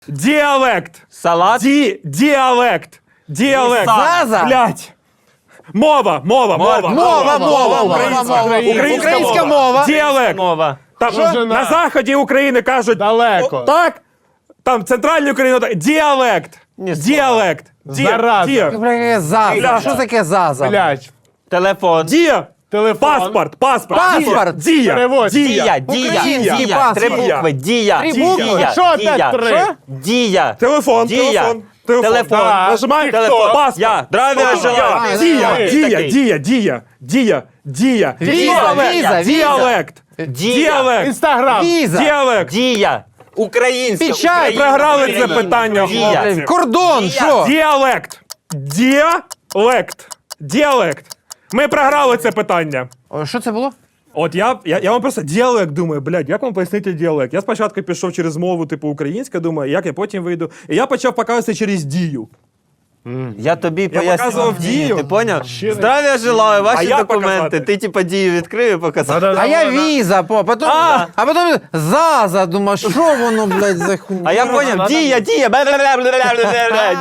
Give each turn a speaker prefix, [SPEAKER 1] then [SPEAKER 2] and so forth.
[SPEAKER 1] Діалект.
[SPEAKER 2] Салат.
[SPEAKER 1] Діалект. Діалект.
[SPEAKER 3] Заза.
[SPEAKER 1] Блядь. Мова.
[SPEAKER 3] Українська мова.
[SPEAKER 1] Діалект.
[SPEAKER 2] Мова.
[SPEAKER 1] Там,
[SPEAKER 4] Жена.
[SPEAKER 1] на заході України кажуть
[SPEAKER 4] Далеко.
[SPEAKER 1] так, там в центральній Україні так. Діалект.
[SPEAKER 2] Ні слова.
[SPEAKER 1] Діалект.
[SPEAKER 4] Зараза.
[SPEAKER 3] Бля, Заза. Що таке Заза?
[SPEAKER 4] Блядь.
[SPEAKER 2] Телефон.
[SPEAKER 4] Телефон.
[SPEAKER 1] Паспорт.
[SPEAKER 3] Паспорт.
[SPEAKER 1] Дія.
[SPEAKER 4] Переводь.
[SPEAKER 2] Дія.
[SPEAKER 3] Український
[SPEAKER 2] Дія.
[SPEAKER 3] паспорт.
[SPEAKER 2] Три букви. Дія.
[SPEAKER 3] Три
[SPEAKER 4] букви?
[SPEAKER 2] Дія.
[SPEAKER 4] Що
[SPEAKER 2] Дія.
[SPEAKER 4] опять три?
[SPEAKER 2] Що? Дія.
[SPEAKER 1] Телефон.
[SPEAKER 2] Дія. Телефон.
[SPEAKER 4] Да.
[SPEAKER 1] Нажимай.
[SPEAKER 2] Телефон.
[SPEAKER 1] Паспорт.
[SPEAKER 2] Я. Здравия желаю.
[SPEAKER 1] Дія.
[SPEAKER 3] Віза.
[SPEAKER 1] Діалект. Діалект.
[SPEAKER 4] Інстаграм.
[SPEAKER 3] Віза.
[SPEAKER 1] Діалект.
[SPEAKER 2] Дія. Українська.
[SPEAKER 3] Печать.
[SPEAKER 2] Україна,
[SPEAKER 1] Програли це
[SPEAKER 2] Україна.
[SPEAKER 1] питання,
[SPEAKER 2] Дія.
[SPEAKER 1] хлопці.
[SPEAKER 3] Кордон. Що?
[SPEAKER 1] Діалект. Діалект. Ми програли це питання.
[SPEAKER 3] Що це було?
[SPEAKER 1] От я вам просто діалект думаю, блядь, як вам пояснити діалект? Я спочатку пішов через мову, типу, українська, думаю, як я потім вийду. І я почав показувати через дію.
[SPEAKER 2] Я тобі
[SPEAKER 1] показував
[SPEAKER 2] пояснював
[SPEAKER 1] дію.
[SPEAKER 2] дію, ти поняв? Здравия желаю, ваші
[SPEAKER 1] я
[SPEAKER 2] документи.
[SPEAKER 1] показати?
[SPEAKER 2] Ти типа дію відкрив і показав.
[SPEAKER 3] А я віза, потім, а потім Заза, думаю, що воно, блядь, за хуйня?
[SPEAKER 2] А я поняв, дія.